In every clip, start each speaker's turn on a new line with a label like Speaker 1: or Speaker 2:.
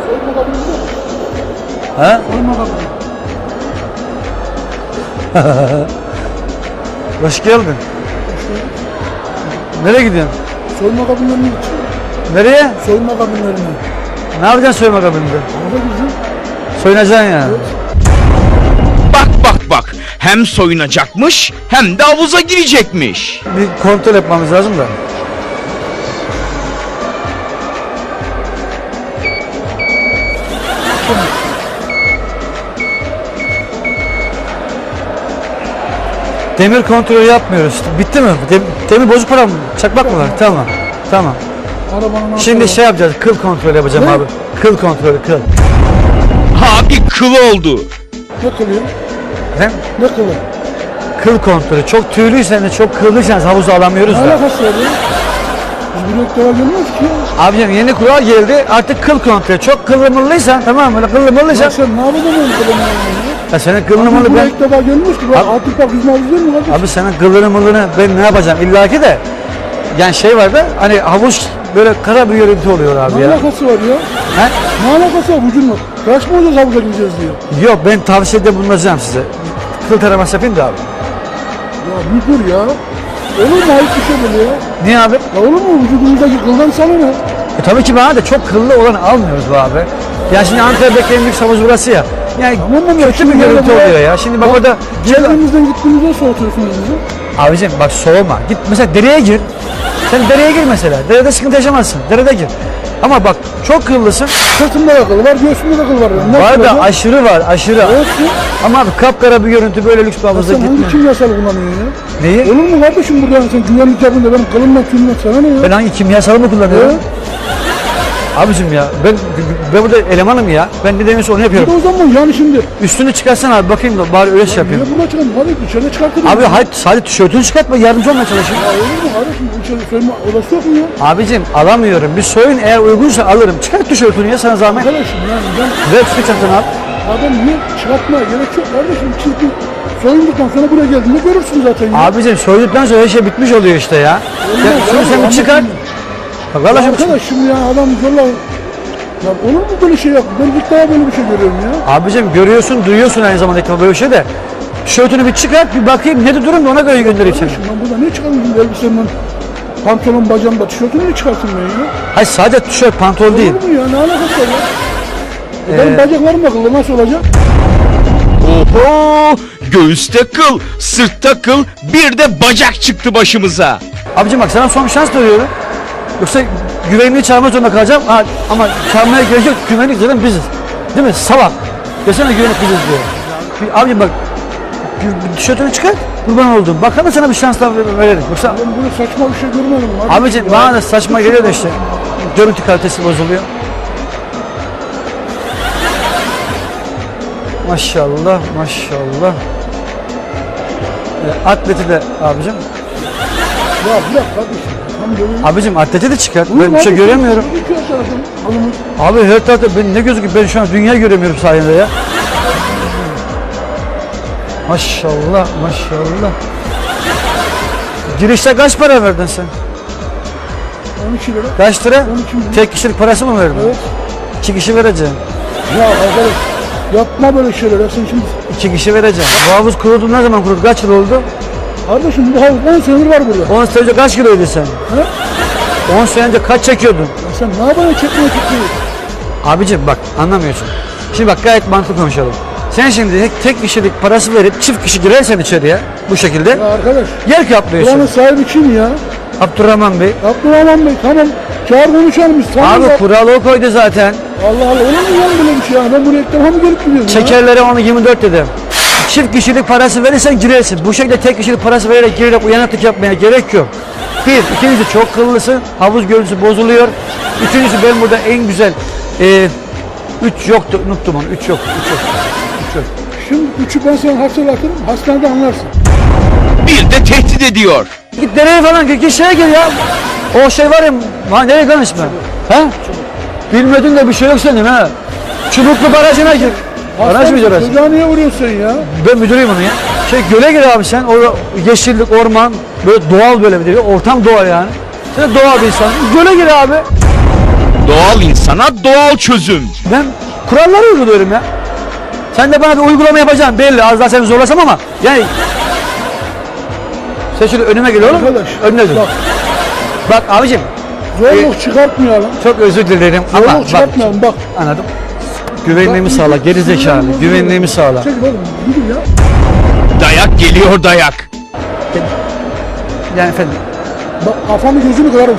Speaker 1: Soyunma kabini biliyor musun?
Speaker 2: He?
Speaker 1: Soyunma kabini.
Speaker 2: Hoş geldin. Nereye gidiyorsun?
Speaker 1: Soyunma kabinlerine gideceğim.
Speaker 2: Nereye?
Speaker 1: Soyunma kabinlerine.
Speaker 2: Ne yapacaksın soyunma kabininde?
Speaker 1: Orada gideceğim.
Speaker 2: Soyunacaksın yani.
Speaker 1: Evet.
Speaker 3: Bak hem soyunacakmış hem de havuza girecekmiş.
Speaker 2: Bir kontrol yapmamız lazım da. Demir kontrolü yapmıyoruz. Bitti mi? Demir bozuk para mı? Çakmak mı var? Tamam. Tamam.
Speaker 1: Arabanın
Speaker 2: Şimdi
Speaker 1: altına
Speaker 2: şey yapacağız. Kıl kontrolü yapacağım
Speaker 1: Ne?
Speaker 2: abi. Kıl kontrolü, kıl.
Speaker 3: Abi kıl oldu.
Speaker 1: ne kılıyor?
Speaker 2: Hem
Speaker 1: Ne kılı?
Speaker 2: kıl kontrolü. Çok tüylüysen de çok kıllıysanız havuza alamıyoruz
Speaker 1: Ne
Speaker 2: da.
Speaker 1: alakası var ya? Biz buraya ilk defa gelmiyoruz ki ya.
Speaker 2: Abicim yeni kural geldi. Artık kıl kontrolü. Çok kıllı mıllıysan, tamam mı? Böyle kıllı mıllıysan.
Speaker 1: Ya sen ne yapacaksın oğlum kılını ya?
Speaker 2: Ya senin kıllı
Speaker 1: Biz
Speaker 2: mıllı
Speaker 1: buraya
Speaker 2: ben...
Speaker 1: ilk defa gelmiyoruz ki.
Speaker 2: Abi-
Speaker 1: Artık bak yüzme havuzu değil mi kardeşim?
Speaker 2: Abi senin kıllını mıllını ben ne yapacağım? İlla ki de. Yani şey var da hani havuz böyle kara bir görüntü oluyor abi
Speaker 1: Ne
Speaker 2: ya.
Speaker 1: alakası var ya?
Speaker 2: He?
Speaker 1: Ne alakası var vücudunla? Kaç mı olacağız havuza gireceğiz diye?
Speaker 2: Yok ben tavsiyede bulunacağım size. Kıl taraması yapayım da abi.
Speaker 1: Ya bir dur ya. Olur mu ayıp bir şey böyle ya?
Speaker 2: Niye abi?
Speaker 1: Ya olur mu vücudumuzdaki kıldan sana ne?
Speaker 2: Tabii ki bana da çok kıllı olanı almıyoruz bu abi. Ya şimdi Ankara'daki en büyük havuz burası ya. Yani
Speaker 1: Tamam ya,
Speaker 2: kötü bir
Speaker 1: şimdi
Speaker 2: görüntü
Speaker 1: yani
Speaker 2: oluyor ya. Şimdi bak orada...
Speaker 1: Çevremizden gittiğimizde soğutuyorsunuz bizi.
Speaker 2: Abicim bak soğuma. Git mesela dereye gir. Sen dereye gir mesela. Derede sıkıntı yaşamazsın. Derede gir. Ama bak çok kıllısın.
Speaker 1: Sırtımda da kıl var, göğsümde de kıl var. Ne
Speaker 2: Var da
Speaker 1: kılacağım?
Speaker 2: aşırı var aşırı.
Speaker 1: Olsun.
Speaker 2: Ama abi kapkara bir görüntü böyle lüks bir havuzda
Speaker 1: Sen hangi
Speaker 2: gitme.
Speaker 1: kimyasal kullanıyorsun ya?
Speaker 2: Neyi?
Speaker 1: Olur mu kardeşim burada sen güvenlik yapınca benim kılımla tümle sana ne ya?
Speaker 2: Ben hangi kimyasalı mı kullanıyorum?
Speaker 1: Evet.
Speaker 2: Abicim ya ben burada elemanım ya. Ben ne demiyorsa onu
Speaker 1: Bir
Speaker 2: yapıyorum.
Speaker 1: de o zaman yani şimdi.
Speaker 2: Üstünü çıkarsana abi bakayım da bari öyle şey
Speaker 1: Niye
Speaker 2: yapayım.
Speaker 1: burada çıkalım? Hadi dışarı çıkartırım.
Speaker 2: Abi hayır sadece tişörtünü çıkartma yardımcı olmaya çalışayım.
Speaker 1: Ya olur mu kardeşim? İçeri soyunma odası yok mu ya?
Speaker 2: Abicim alamıyorum. Bir soyun eğer uygunsa alırım. Çıkart tişörtünü ya sana zahmet.
Speaker 1: Arkadaşım yani ben
Speaker 2: Ver üstünü çantana abi.
Speaker 1: adam niye çıkartmaya gerek yok kardeşim. Çünkü soyunduktan sonra buraya geldiğinde görürsün zaten ya.
Speaker 2: Abicim soyduktan sonra her şey bitmiş oluyor işte ya. Ya şunu sen bir çıkart. Bak
Speaker 1: Ya
Speaker 2: vallahi
Speaker 1: arkadaş şimdi ya adam zorla. Ya olur mu böyle şey yap? Ben ilk defa böyle bir şey görüyorum ya.
Speaker 2: Abicim görüyorsun, duyuyorsun aynı zamanda ekran böyle bir şey de. Tişörtünü bir çıkart, bir bakayım ne de durum da ona göre göndereyim seni.
Speaker 1: Kardeşim ben burada ne çıkarmışım elbisemden? Pantolon bacağımda tişörtünü ne çıkartayım ben ya?
Speaker 2: Hayır sadece tişört, pantol değil.
Speaker 1: Olur mu ya? Ne alakası var ya? Benim bacaklarım da kıllı nasıl olacak?
Speaker 3: Oho! Göğüste kıl, sırtta kıl, bir de bacak çıktı başımıza.
Speaker 2: Abicim bak sana son bir şans veriyorum. Yoksa güvenliği çağırmak zorunda kalacağım. Ha, ama çağırmaya gerek yok. Güvenlik zaten biziz. Değil mi? Salak. Desene güvenlik biziz diyor. Abicim bak tişörtünü çıkart. Kurban oldum. Bakalım sana bir şans daha verelim. Yoksa
Speaker 1: Ben böyle saçma bir şey görmedim.
Speaker 2: abicim bana da saçma geliyor da işte. Görüntü kalitesi bozuluyor. Maşallah, maşallah. Atleti de abicim.
Speaker 1: Ya bir dakika kardeşim. Tam görüyorum.
Speaker 2: Abicim atleti de çıkart. Ben bir şey göremiyorum. Abi her tarafta ben ne gözüküyor? Ben şu an dünya göremiyorum sayende ya. Maşallah, maşallah. Girişte kaç para verdin sen?
Speaker 1: 12 lira.
Speaker 2: Kaç lira?
Speaker 1: 12 lira.
Speaker 2: Tek kişilik parası mı verdin?
Speaker 1: Evet.
Speaker 2: 2 kişi vereceğim.
Speaker 1: Ya arkadaş yapma böyle şeyler. Ya sen şimdi
Speaker 2: 2 kişi vereceğim. Bu havuz kuruldu ne zaman kuruldu? Kaç yıl oldu?
Speaker 1: kardeşim bu havuz 10 senedir var burada.
Speaker 2: 10 sene önce kaç kiloydun sen?
Speaker 1: He?
Speaker 2: 10 sene önce kaç çekiyordun?
Speaker 1: Ya sen ne yapacaksın çekmeye çekmeyi?
Speaker 2: Abicim bak anlamıyorsun. Şimdi bak gayet mantıklı konuşalım. Sen şimdi tek kişilik parası verip çift kişi girersen içeriye bu şekilde
Speaker 1: Ya arkadaş.
Speaker 2: yer kaplıyorsun.
Speaker 1: Buranın sahibi kim ya?
Speaker 2: Abdurrahman Bey.
Speaker 1: Abdurrahman Bey tamam. Çağır konuşalım biz. Tamam
Speaker 2: Abi
Speaker 1: ya.
Speaker 2: kuralı o koydu zaten.
Speaker 1: Allah Allah olur mu lan böyle bir şey ya? Ben buraya ilk defa mı gelip gidiyorum ya?
Speaker 2: Şekerlere onu 24 dedim. Çift kişilik parası verirsen girersin. Bu şekilde tek kişilik parası vererek girerek uyanıklık yapmaya gerek yok. Bir, ikincisi çok kıllısın. Havuz görüntüsü bozuluyor. Üçüncüsü ben burada en güzel 3 yoktu. Unuttum onu. 3 yok. 3 yok. 3 yok.
Speaker 1: Şimdi üçü ben sana hatırlatırım. Hastanede anlarsın.
Speaker 3: Bir de tehdit ediyor.
Speaker 2: Git nereye falan git şeye gir ya. O şey var ya nereye konuşma. He? Bilmedin de bir şey yok senin ha. Çubuklu barajına gir. Baraj mı orası?
Speaker 1: Çocuğa niye vuruyorsun sen ya?
Speaker 2: Ben müdürüyüm onu ya. Göle gir abi sen. Orada yeşillik, orman, böyle doğal böyle bir de. Ortam doğal yani. Sen de doğal bir insan. Göle gir abi.
Speaker 3: Doğal insana doğal çözüm.
Speaker 2: Ben kuralları uyguluyorum ya. Sen de bana bir uygulama yapacaksın belli. Az daha seni zorlasam ama yani. Sen şöyle önüme gel oğlum.
Speaker 1: Arkadaş,
Speaker 2: Önüne dur.
Speaker 1: bak.
Speaker 2: Bak abicim.
Speaker 1: Zorluk çıkartmayalım.
Speaker 2: Çok özür dilerim ama
Speaker 1: Zorluk
Speaker 2: bak.
Speaker 1: çıkartmayalım bak.
Speaker 2: Anladım. Güvenliğimi sağla. Geri zekalı. Güvenliğimi sağla.
Speaker 1: Çekil oğlum. Gidin ya.
Speaker 3: Dayak geliyor dayak.
Speaker 2: Yani efendim.
Speaker 1: Bak kafamı gözünü kırarım.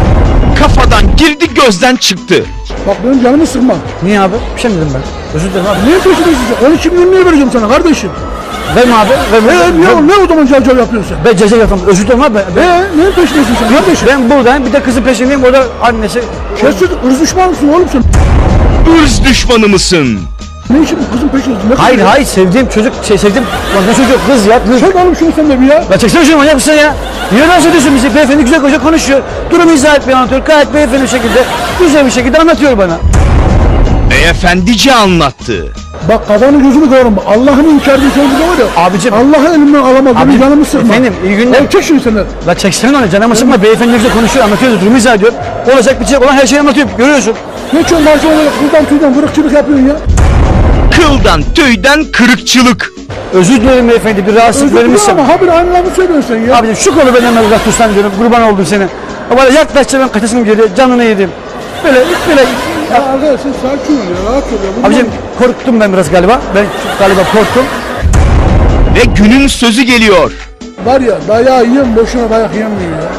Speaker 3: Kafadan girdi gözden çıktı.
Speaker 1: Bak benim canımı sıkma.
Speaker 2: Niye abi? Bir şey mi dedim ben? Özür dilerim abi.
Speaker 1: Niye peşindesin sen? 12 milyon niye vereceğim sana kardeşim?
Speaker 2: Verme abi.
Speaker 1: Ne o zaman cavcav yapıyorsun sen?
Speaker 2: Ben ceza yapamam. Özür dilerim abi.
Speaker 1: Neyin peşindesin sen kardeşim?
Speaker 2: Ben buradayım. Bir de kızın peşindeyim. O da annesi.
Speaker 1: Kesin ırz düşman mısın oğlum sen?
Speaker 3: Irz düşmanı mısın?
Speaker 1: Ne işin bu kızın peşindesin?
Speaker 2: Hayır hayır sevdiğim çocuk sevdiğim. Lan ne çocuk kız ya kız.
Speaker 1: Çek oğlum şunu sen de bir ya.
Speaker 2: La çeksene şunu manyak mısın ya? Niye dans ediyorsun bizi? Beyefendi güzel koca konuşuyor. Durumu izah etmeye anlatıyor. Gayet beyefendi bir şekilde, güzel bir şekilde anlatıyor bana.
Speaker 3: Beyefendice anlattı.
Speaker 1: Bak kafanı gözünü kırarım. Allah'ın inkardığı sözü var ya.
Speaker 2: Abicim.
Speaker 1: Allah'ı elimden alamaz. Benim
Speaker 2: Abicim,
Speaker 1: canımı sıkma.
Speaker 2: efendim, iyi günler.
Speaker 1: Oğlum çek şunu sen de.
Speaker 2: La çeksene onu canımı sıkma. Beyefendi güzel konuşuyor, anlatıyor. Durumu izah ediyor. Olacak bitecek olan her şeyi anlatıyor. Görüyorsun.
Speaker 1: Ne çok karşı olarak kıldan tüyden vırıkçılık yapıyorsun ya.
Speaker 3: Kıldan tüyden kırıkçılık.
Speaker 2: Özür dilerim beyefendi. Bir rahatsızlık
Speaker 1: Özür dilerim
Speaker 2: vermişsem.
Speaker 1: ama habire aynı lafı söylüyorsun sen ya.
Speaker 2: Abicim şu kolu benden uzak tutsan diyorum. Kurban oldum seni. Böyle yaklaşça ben kaçasım geliyor. Canını yedim. Böyle.
Speaker 1: Ya arkadaş sen sakin ol ya. Rahat ol ya. Bundan-
Speaker 2: Abicim korktum ben biraz galiba. Ben galiba korktum.
Speaker 3: Ve günün sözü geliyor.
Speaker 1: Var ya dayağı yiyen boşuna dayak yemiyor ya.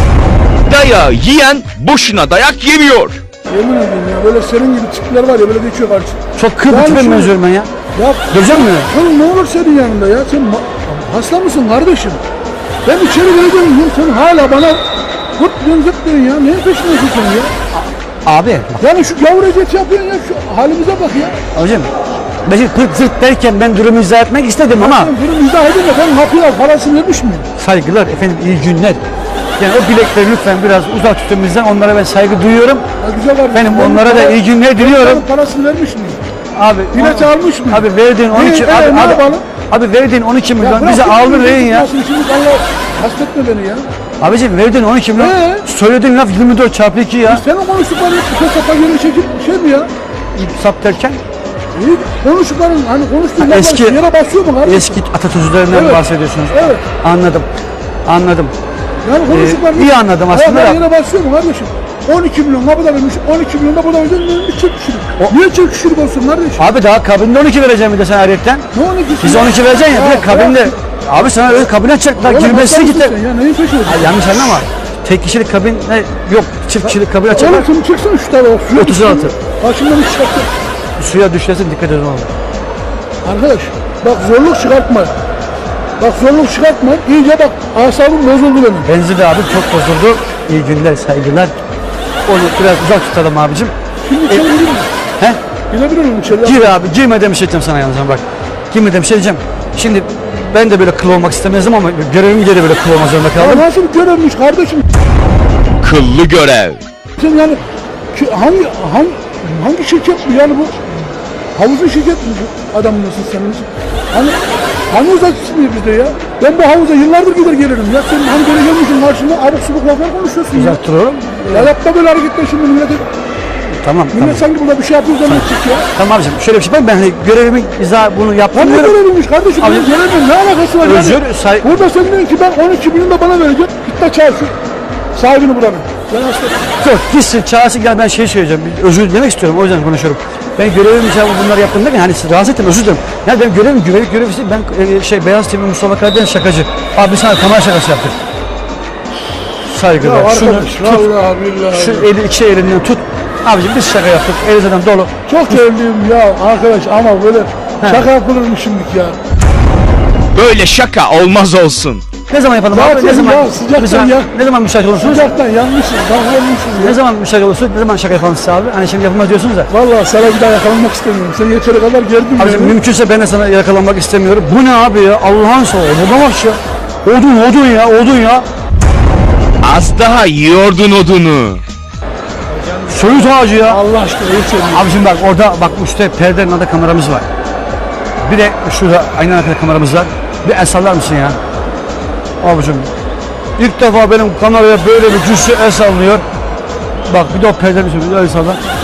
Speaker 3: Dayağı yiyen boşuna dayak yemiyor.
Speaker 1: Yemin ederim ya böyle senin gibi tipler var ya böyle geçiyor karşı.
Speaker 2: Çok kıl
Speaker 1: Yani
Speaker 2: bir tipe
Speaker 1: şu-
Speaker 2: benziyorum ben ya.
Speaker 1: Ya
Speaker 2: Göreceğim mi?
Speaker 1: oğlum ne olur senin yanında ya sen hasta mısın kardeşim? Ben içeri gireceğim ya sen hala bana hırt diyorsun zırt diyorsun ya neyin peşindesin sen ya?
Speaker 2: Abi.
Speaker 1: Yani şu gavur eziyeti yapıyorsun ya şu halimize bak ya.
Speaker 2: Hocam. Ben şimdi kırk zırt derken ben durumu izah etmek istedim ama
Speaker 1: Sen bunu izah edin de ben kapıya parasını vermiş miyim?
Speaker 2: saygılar efendim iyi günler. Yani o bilekleri lütfen biraz uzak tutun bizden. Onlara ben saygı duyuyorum.
Speaker 1: Ya güzel var.
Speaker 2: Benim onlara da iyi günler diliyorum.
Speaker 1: Parasını vermiş miyim?
Speaker 2: Abi
Speaker 1: Bilet almış mı?
Speaker 2: Abi verdiğin 12
Speaker 1: Ne yapalım?
Speaker 2: abi verdiğin 12 milyon
Speaker 1: bırak
Speaker 2: bize
Speaker 1: şimdi
Speaker 2: aldın
Speaker 1: bizi
Speaker 2: rehin ya.
Speaker 1: tutmasın, Şimdi Allah hasretme beni ya.
Speaker 2: Abicim verdiğin 12 milyon. Söylediğin laf 24 çarpı 2 ya.
Speaker 1: Senin konuştukların bu sapa geri çekip şey mi ya?
Speaker 2: Sap derken
Speaker 1: İyi konuştukların hani konuştuğun laflar
Speaker 2: eski-
Speaker 1: yere basıyor mu kardeşim?
Speaker 2: eski atasözlerinden
Speaker 1: Evet.
Speaker 2: bahsediyorsunuz.
Speaker 1: Evet.
Speaker 2: Anladım.
Speaker 1: Yani konuştukların
Speaker 2: iyi anladım aslında
Speaker 1: ayaklar
Speaker 2: da.
Speaker 1: yere basıyor mu kardeşim? 12 milyon kapıda vermiş, 12 milyon da burada vermiş, bir çift kişilik. Niye çift kişilik olsun kardeşim?
Speaker 2: Abi daha kabinde 12 vereceğim bir de sen ayrıyetten.
Speaker 1: Ne 12'si?
Speaker 2: Biz 12 vereceksin ya, bir de kabinde. Abi sana öyle kabine açacaklar, girmesi gitti.
Speaker 1: Ya neyin peşindesin?
Speaker 2: Ay, yanlış anlama. Tek kişilik kabin yok, çift kişilik kabin açacaklar.
Speaker 1: Oğlum sen çıksana şu tarafa. Suya
Speaker 2: 36.
Speaker 1: düşsün. Başımdan hiç çıkarttın.
Speaker 2: Suya düşersin dikkat edin oğlum.
Speaker 1: Arkadaş bak zorluk çıkartma. Bak zorluk çıkartma. İyice bak asabım bozuldu benim.
Speaker 2: Benzi de abi çok bozuldu. İyi günler, saygılar. Onu biraz uzak tutalım abicim.
Speaker 1: Şimdi içeri gireyim mi?
Speaker 2: He?
Speaker 1: Girebilir miyim içeri?
Speaker 2: Gir abi, girmeden bir şey diyeceğim sana yalnız ama bak. Girmeden bir şey diyeceğim. Şimdi ben de böyle kıl olmak istemezdim ama görevim gereği böyle kıl olmak zorunda
Speaker 1: Ya
Speaker 2: kaldım.
Speaker 1: nasıl bir görevmiş kardeşim?
Speaker 3: Kıllı görev.
Speaker 1: Sen yani hangi şirket bu yani bu? Havuzun şirket mi bu adamın nasıl senin? Hani uzakçısı mıyız bizde ya? Ben bu havuza yıllardır gider gelirim ya. Sen hani böyle gelmişsin karşımda abuk subuk laflar konuşuyorsun ya.
Speaker 2: Uzak dur oğlum.
Speaker 1: Ya yapma böyle hareketler şimdi millete.
Speaker 2: Tamam,
Speaker 1: Millet
Speaker 2: tamam.
Speaker 1: sanki burada bir şey yapıyor zannedecek ya.
Speaker 2: Tamam abicim şöyle bir şey ben hani görevimi bunu
Speaker 1: Ya
Speaker 2: yaptım
Speaker 1: ne
Speaker 2: diyorum.
Speaker 1: göreviymiş kardeşim?
Speaker 2: Abi-
Speaker 1: Benim görevim ne alakası var
Speaker 2: Özür,
Speaker 1: yani? Burada sen diyorsun ki ben 12 milyon da bana verecek. Git de çağır şu sahibini buranın. Ben hasta.
Speaker 2: Yok gitsin çağırsın gel ben şey söyleyeceğim. Özür dilemek istiyorum o yüzden konuşuyorum. Ben görevim için bunları yaptım derken hani sizi rahatsız ettim özür dilerim. Yani benim görevim güvenlik görevlisi ben Beyaz TV Mustafa Karadeniz şakacı. Abi sana kamera şakası yaptık. Saygılar.
Speaker 1: Ya
Speaker 2: Şunu
Speaker 1: arkadaş
Speaker 2: tut.
Speaker 1: vallahi billahi.
Speaker 2: Şu eli iki elinden tut. Abicim biz şaka yaptık. El zaten dolu.
Speaker 1: Çok evliyim ya arkadaş ama böyle şaka yapılırmış şimdilik ya.
Speaker 3: Böyle şaka olmaz olsun.
Speaker 2: Ne zaman yapalım
Speaker 1: Zaten
Speaker 2: abi? Ne zaman?
Speaker 1: ya, sıcaktan ya.
Speaker 2: Ne zaman müsait olursunuz?
Speaker 1: Sıcaktan yanmışsın, davranmışsın
Speaker 2: Ne
Speaker 1: ya.
Speaker 2: zaman müsait olursunuz? Ne zaman şaka yapalım size abi? Hani şimdi yapılmaz diyorsunuz da.
Speaker 1: Vallahi sana bir daha yakalanmak istemiyorum. Sen yeteri kadar gerdin
Speaker 2: Abicim
Speaker 1: beni.
Speaker 2: mümkünse ben de sana yakalanmak istemiyorum. Bu ne abi ya? Allah'ın sağ ol. Buna bak ya. Odun ya.
Speaker 3: Az daha yiyordun odunu.
Speaker 2: Söğüt ağacı ya.
Speaker 1: Allah aşkına yeter.
Speaker 2: Abicim bak orada bak üstte perdenin altında kameramız var. Bir de şurada aynen arkada kameramız var. Bir el sallar mısın ya? Abicim ilk defa benim kameraya böyle bir cüssü el sallıyor. Bak bir de o perdeni söylüyor. Öyle sana.